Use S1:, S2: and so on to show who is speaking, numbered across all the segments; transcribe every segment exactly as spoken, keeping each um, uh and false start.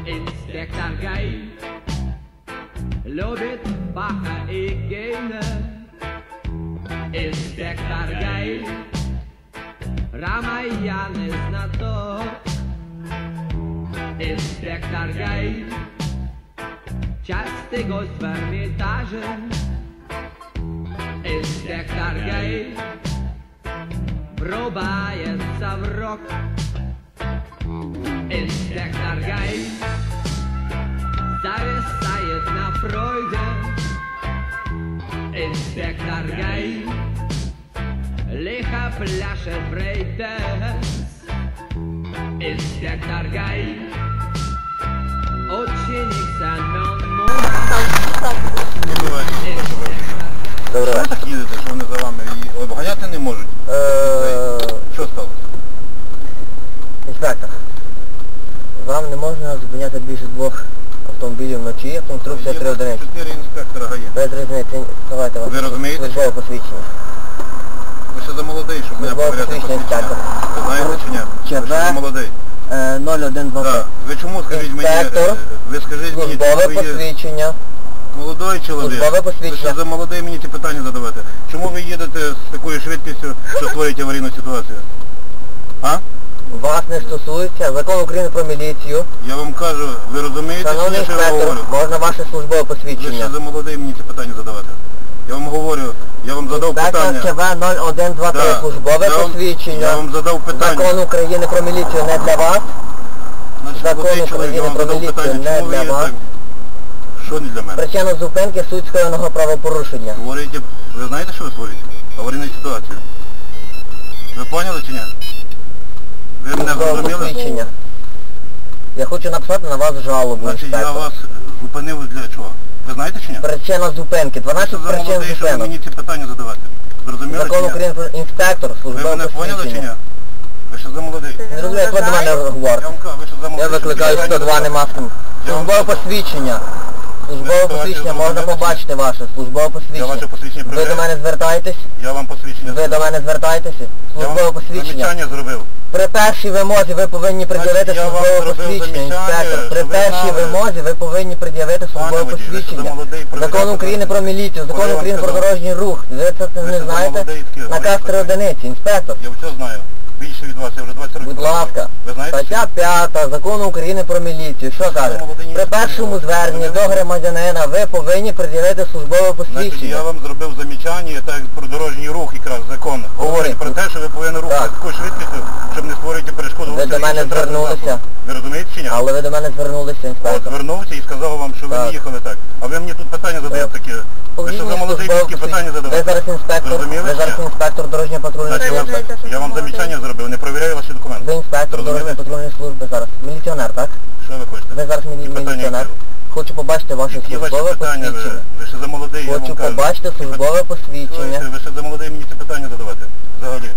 S1: Інспектор ГАІ любить Баха і Гейне. Інспектор ГАІ Рамаяни знаток. Інспектор ГАІ частий гость в Ермітажі. Інспектор ГАИ врубается в рок. Инспектор ГАИ зависает на Фройде. Инспектор ГАИ лихо пляшет брейк-дэнс. Инспектор ГАИ ученик Семен Мунк.
S2: Добре. Що ви так їдете, що вони за вами і обганяти не можуть? Що сталося?
S3: Інспектор, вам не можна зупиняти більше двох автомобілів вночі, конструкція три одиниці.
S2: Чотири інспектора ГАІ.
S3: Без різниці, давайте вас.
S2: Ви розумієте?
S3: Службове посвідчення.
S2: Ви ще за молодий, щоб мене
S3: Службове
S2: перевіряти
S3: посвідчення,
S2: посвідчення.
S3: інспектор.
S2: Ви знаєте чи ні? Ви ще за молодий.
S3: нуль один два три.
S2: Так. Ви чому, скажіть мені,
S3: Інспектор,
S2: ви скажіть мені,
S3: службове
S2: чому ви є
S3: посвідчення.
S2: молодий чоловік?
S3: Службове
S2: Ви
S3: посвідчення.
S2: ще за молодий мені ці питання задавати. Чому ви їдете з такою швидкістю, що створюєте аварійну ситуацію? А?
S3: Вас не стосується Закон України про міліцію.
S2: Я вам кажу, ви розумієте,
S3: Шановний
S2: що я
S3: інспектор,
S2: говорю?
S3: можна ваше службове
S2: Ви ще
S3: посвідчення.
S2: за молодий мені ці питання задавати. Я вам говорю, я вам задав питання.
S3: Інспектор КВ нуль один два три,
S2: Да.
S3: службове
S2: Я вам-
S3: посвідчення.
S2: Я вам задав питання.
S3: Закон України про міліцію не для вас.
S2: Значить,
S3: Закон
S2: молодий чоловік, я
S3: України
S2: вам
S3: про
S2: задав
S3: міліцію
S2: питання,
S3: не
S2: чому ви
S3: для
S2: є
S3: вас.
S2: так? Що не для мене?
S3: Причина зупинки – суть скоєного правопорушення.
S2: Створюєте, ви знаєте, що ви створюєте? Аварійну ситуацію. Ви поняли чи ні? Ви мене
S3: Службове
S2: зрозуміли?
S3: посвідчення. Я хочу написати на вас жалобу,
S2: Значить, я
S3: інспектор.
S2: вас зупинив для чого? Ви знаєте чи ні?
S3: Причина зупинки.
S2: Ви
S3: дванадцять
S2: що за
S3: причин
S2: молодий, щоб ви
S3: зупинок.
S2: мені ці питання задавати? Зрозуміли
S3: Закон
S2: чи ні?
S3: України про інспектор,
S2: Ви
S3: службове
S2: мене поняли чи ні?
S3: посвідчення.
S2: Ви що за молодий?
S3: Не розумію, як ви до мене
S2: Я
S3: говорите.
S2: вам кажу, ви що за молодий?
S3: Я викликаю
S2: щоб
S3: сто два,
S2: питання
S3: нема з ким.
S2: Я вам
S3: Службове
S2: сказав.
S3: посвідчення. Службове
S2: ситуацію
S3: посвідчення, можна
S2: зрозуміли?
S3: побачити ваше. Службове
S2: Я
S3: посвідчення.
S2: ваше посвідчення
S3: Ви до
S2: перевіряю.
S3: мене звертаєтесь?
S2: Я вам посвідчення
S3: Ви до мене звертаєтеся?
S2: Я
S3: Службове
S2: вам
S3: посвідчення.
S2: замічання зробив.
S3: При першій вимозі ви повинні пред'явити
S2: я вам
S3: службове
S2: зробив
S3: посвідчення,
S2: замічання,
S3: інспектор. При
S2: щоб ви
S3: першій
S2: знали.
S3: вимозі ви повинні пред'явити службове
S2: водій, ви що за
S3: посвідчення.
S2: молодий,
S3: Закон
S2: перевіряти
S3: України про міліцію,
S2: Коли
S3: Закон
S2: я вам
S3: України про
S2: сказав?
S3: дорожній рух. Ви це
S2: Ви
S3: не
S2: що за
S3: знаєте?
S2: молодий, таке
S3: Наказ
S2: говорите?
S3: три одиниці, інспектор.
S2: Я все знаю. Більше від вас, я вже двадцять років.
S3: Будь ласка,
S2: Ви знаєте?
S3: стаття п'ята Закону України про міліцію. Що каже?
S2: молодий,
S3: При першому
S2: ні,
S3: зверненні
S2: ви
S3: до
S2: не-
S3: громадянина ви повинні пред'явити службове
S2: Значить,
S3: посвідчення.
S2: я вам зробив замічання так про дорожній рух якраз закон. Говорить про те, що ви повинні рухати
S3: Так.
S2: такою швидкістю, щоб не створювати перешкоду.
S3: Ви до мене звернулися.
S2: Ви розумієте чи ні?
S3: Але ви до мене звернулися,
S2: От
S3: інспектор.
S2: звернувся і сказав вам, що ви не
S3: Так.
S2: їхали так. А ви мені тут питання задаєте такі. Ви що за молодий такі питання
S3: Ви
S2: задавати?
S3: зараз інспектор,
S2: Зрозуміли
S3: ви
S2: чи
S3: зараз
S2: ні?
S3: інспектор дорожньої патрульної
S2: Значить, я,
S3: служби.
S2: вам, я вам замічання зробив, не провіряю ваші документи.
S3: Ви інспектор
S2: Зрозуміли?
S3: дорожньої патрульної служби зараз. Міліціонер, так?
S2: Що ви хочете?
S3: Ви зараз мілі-
S2: Які питання
S3: міліціонер.
S2: які?
S3: Хочу побачити ваше
S2: Які ваші
S3: службове
S2: питання? Ви,
S3: посвідчення.
S2: ви ще за молодий, я
S3: Хочу
S2: вам кажу.
S3: побачити
S2: Які
S3: службове
S2: питання?
S3: посвідчення.
S2: Слухайте, ви ще за молодий мені ці питання задавати. Взагалі.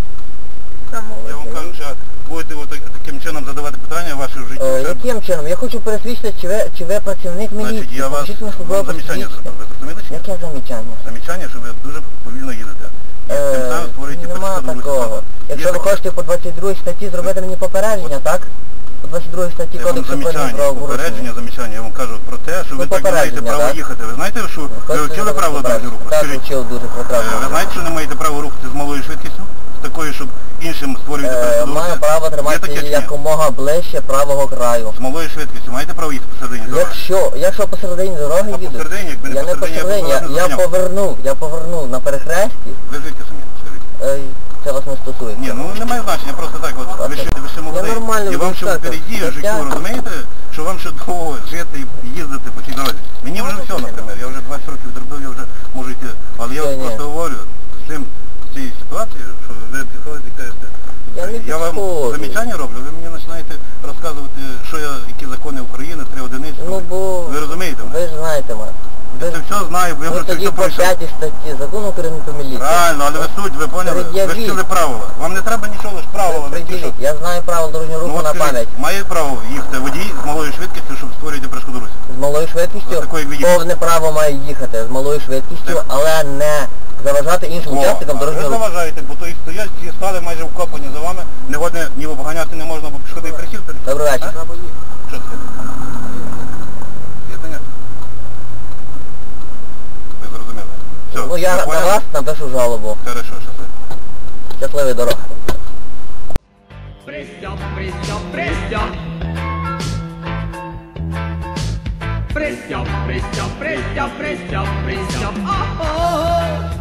S2: Я вам кажу, що будете от так- таким чином задавати питання ваші в житті.
S3: Е,
S2: ще-
S3: Яким чином? Я хочу пересвідчити, чи ви, чи ви працівник
S2: Значить,
S3: міліції.
S2: я вас
S3: Покажіть мені службове
S2: вам замічання
S3: посвідчення.
S2: зробив. Ви зрозуміли чи ні?
S3: Яке замічання?
S2: Замічання, що ви дуже повільно їдете. І тим
S3: Е,
S2: самим створюєте
S3: Нема
S2: перешкоду руху
S3: такого.
S2: транспорту.
S3: Якщо
S2: Є
S3: ви
S2: таке?
S3: хочете по двадцять другій статті зробити мені попередження, так? По двадцять другій статті
S2: Це вам
S3: Кодексу про
S2: замічання,
S3: адмінправопорушення.
S2: попередження, замічання. Я вам кажу про те, що
S3: Ну,
S2: ви так не маєте
S3: попередження,
S2: право
S3: так?
S2: їхати. Ви знаєте, що ви
S3: Хочете
S2: вчили
S3: зробити
S2: правила дорожнього руху?
S3: Так,
S2: Скажіть,
S3: вчив дуже
S2: е,
S3: прекрасно.
S2: ви знаєте, що не маєте права рухати з малою швидкістю? З такою, щоб іншим створювати
S3: Е,
S2: перешкоду
S3: Маю
S2: руху?
S3: право
S2: Є таке
S3: тримати
S2: чи ні?
S3: якомога ближче правого краю.
S2: З малою швидкістю маєте право їхати посередині дороги?
S3: Якщо, якщо посередині дороги
S2: А
S3: їду,
S2: посередині, якби не
S3: я не
S2: посередині, я б
S3: посередині, я,
S2: вас не
S3: я
S2: зупиняв.
S3: повернув, я повернув на перехресті,
S2: Ви звідки самі? Скажіть.
S3: е, це вас не стосується.
S2: Ні, ну немає значення, просто так от, ви ще, ви ще молодий.
S3: нормально
S2: І вам ще
S3: вивчати.
S2: впереді
S3: Так
S2: життю,
S3: я-
S2: розумієте, що вам ще довго жити і їздити по цій дорозі. Мені вже все, наприклад, я вже двадцять років зробив, я вже можу йти. Але я
S3: Ні, ні.
S2: просто говорю з цим, з цією ситуацією, що ви підходите і кажете,
S3: Я не
S2: я вам
S3: підходжу.
S2: замічання роблю, ви мені починаєте розказувати, що я, які закони України, три одиниці.
S3: Ну бо
S2: Ви розумієте мене?
S3: ви ж знаєте мене.
S2: Я це все знаю, бо я
S3: Ви
S2: вже це
S3: тоді
S2: все
S3: по
S2: пройшов.
S3: п'ятій статті Закону України про міліцію.
S2: Правильно, але ви суть, ви поняли? Ви ж
S3: Пред'явіть.
S2: вчили правила. Вам не треба нічого, лише правила. Ви ті, що...
S3: Приділіть. Я знаю правила дорожнього руху
S2: Ну, от
S3: на
S2: скажіть,
S3: пам'ять.
S2: має право їхати водій з малою швидкістю, щоб створювати перешкоду русі?
S3: З малою швидкістю
S2: Ось такої віді-
S3: повне право має їхати з малою швидкістю,
S2: Так.
S3: але не заважати іншим учасникам
S2: О, а
S3: дорожнього
S2: ви
S3: руху.
S2: заважаєте, бо то і стоять, ці стали майже вкопані за вами, не годне ні обганяти не можна, бо пішохідний присів.
S3: Добрий вечір.
S2: Що це?
S3: я на
S2: Понял?
S3: вас напишу жалобу.
S2: Хорошо, шосе.
S3: Щасливої дороги.
S1: Пристёп, пристёп, пристёп. Пристёп, пристёп, пристёп, пристёп, пристёп. О-о-о.